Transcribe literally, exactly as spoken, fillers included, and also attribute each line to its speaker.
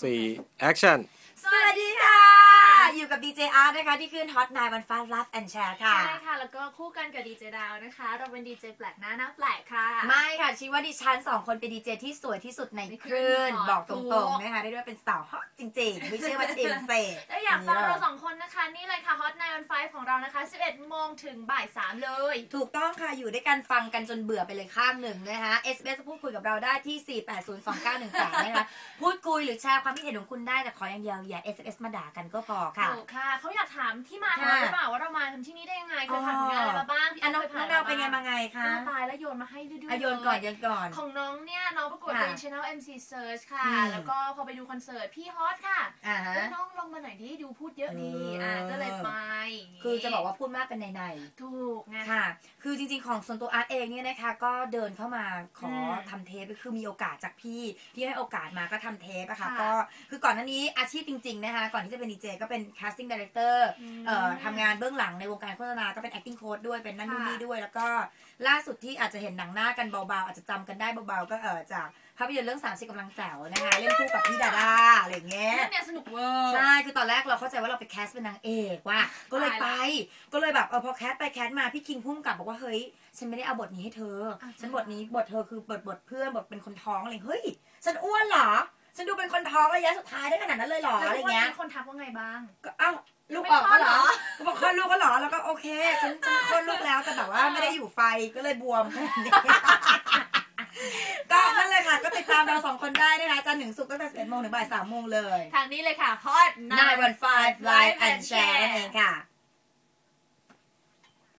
Speaker 1: สี่ Action
Speaker 2: สวัสดีค่ะอยู่กับดีเจอาร์ตนะคะที่ขึ้นฮอตไนน์วันฟ้า Love and Share ค่ะ
Speaker 3: ใช่ค่ะแล้วก็คู่กันกับดีเจดาวนะคะเราเป็นดีเจแปลกหน้าหน้าแปลกค่ะ
Speaker 2: ไม่ค่ะชี้ว่าดิฉันสองคนเป็นดีเจที่สวยที่สุดในคลื่นบอกตรงๆนะคะได้ด้วยเป็นสาวฮอตจริงๆไม่ใช่ว่าชิมเซ่
Speaker 3: ถ้าอยากฟังเราสองคนนะคะนี่เลยค่ะฮอตไนน์วันฟ้าของเรานะคะสิบเอ็ดโมงถึงบ่ายสามเลย
Speaker 2: ถูกต้องค่ะอยู่ด้วยกันฟังกันจนเบื่อไปเลยข้างหนึ่งนะคะเอสเอสพูดคุยกับเราได้ที่สี่ แปด ศูนย์ สอง เก้า หนึ่ง แปดนะคะพูดคุยหรือแชร์ความคิดเห็นของคุณได้แต่ขออย่างเดียวอย่า เอส เอส มาด่ากันก็พอค่ะ
Speaker 3: ถูกค่ะเขาอยากถามที่มาของเราหรือเปล่าว่าเรามาทำที่นี่ได้ยังไงเคยผ่านงานอะไรมาบ้างพี่
Speaker 2: น้อง
Speaker 3: เคยผ่าน
Speaker 2: น้องเป็นไงมาไงคะ
Speaker 3: ตายแล้วโยนมาให้ดื้อๆ
Speaker 2: โยนก่อนโยนก่อน
Speaker 3: ของน้องเนี่ยน้องประกวดเป็น Channel เอ็ม ซี Search ค่ะแล้วก็พอไปดูคอนเสิร์ตพี่ฮอตค่ะแล้วน้องลงมาหน่อยดิดูพูดเยอะดีอ่าก็เลยไป
Speaker 2: คือจะบอกว่าพูดมากเป็นในใน
Speaker 3: ถูกไง
Speaker 2: ค่ะคือจริงๆของส่วนตัวอาร์ตเองเนี่ยนะคะก็เดินเข้ามาขอทำเทปคือมีโอกาสจากพี่พี่ให้โอกาสมาก็ทำเทปอะค่ะก็คือก่อนหน้านี้อาชีพจริงๆนะคะก่อนที่จะเป็นดีเจก็เป็น casting director เอ่อทำงานเบื้องหลังในวงการโฆษณาก็เป็น acting coach ด้วยเป็นนั่นนู่นนี่ด้วยแล้วก็ล่าสุดที่อาจจะเห็นหนังหน้ากันเบาๆอาจจะจำกันได้เบาๆก็เออจากภาพยนตร์เรื่องสามสิบกำลังแจ๋วนะคะเล่นคู่กับพี่ดาดาอะไรเงี้ย
Speaker 3: เรื่องเนี้ยสนุกเวอร์
Speaker 2: ใช่คือตอนแรกเราเข้าใจว่าเราไปแคสเป็นนางเอกว่ะก็เลยไปก็เลยแบบเออพอแคสไปแคสมาพี่คิงพุ่งกลับบอกว่าเฮ้ยฉันไม่ได้เอาบทนี้ให้เธอฉันบทนี้บทเธอคือบทบทเพื่อนบทเป็นคนท้องอะไรเฮ้ยฉันอ้วนเหรอฉันดูเป็นคนท้องระยะสุดท้ายได้ขนาดนั้นเลยเหรออะไรเงี้ย
Speaker 3: คนทักว่าไงบ้าง
Speaker 2: ก็เอ้าลูกออกก็เหรอก็บอกคลอดลูกก็เหรอแล้วก็โอเคฉันฉันคลอดลูกแล้วแต่แบบว่าไม่ได้อยู่ไฟก็เลยบวมก็นั่นเลยค่ะก็ติดตามเราสองคนได้นะคะจันทร์ถึงศุกร์ตั้งแต่สิบเอ็ดโมงถึงบ่ายสามโมงเลย
Speaker 3: ทางนี้เลยค่ะ Hot
Speaker 2: ไนน์ วัน ไฟว์ Live and Share นั่นเองค่ะ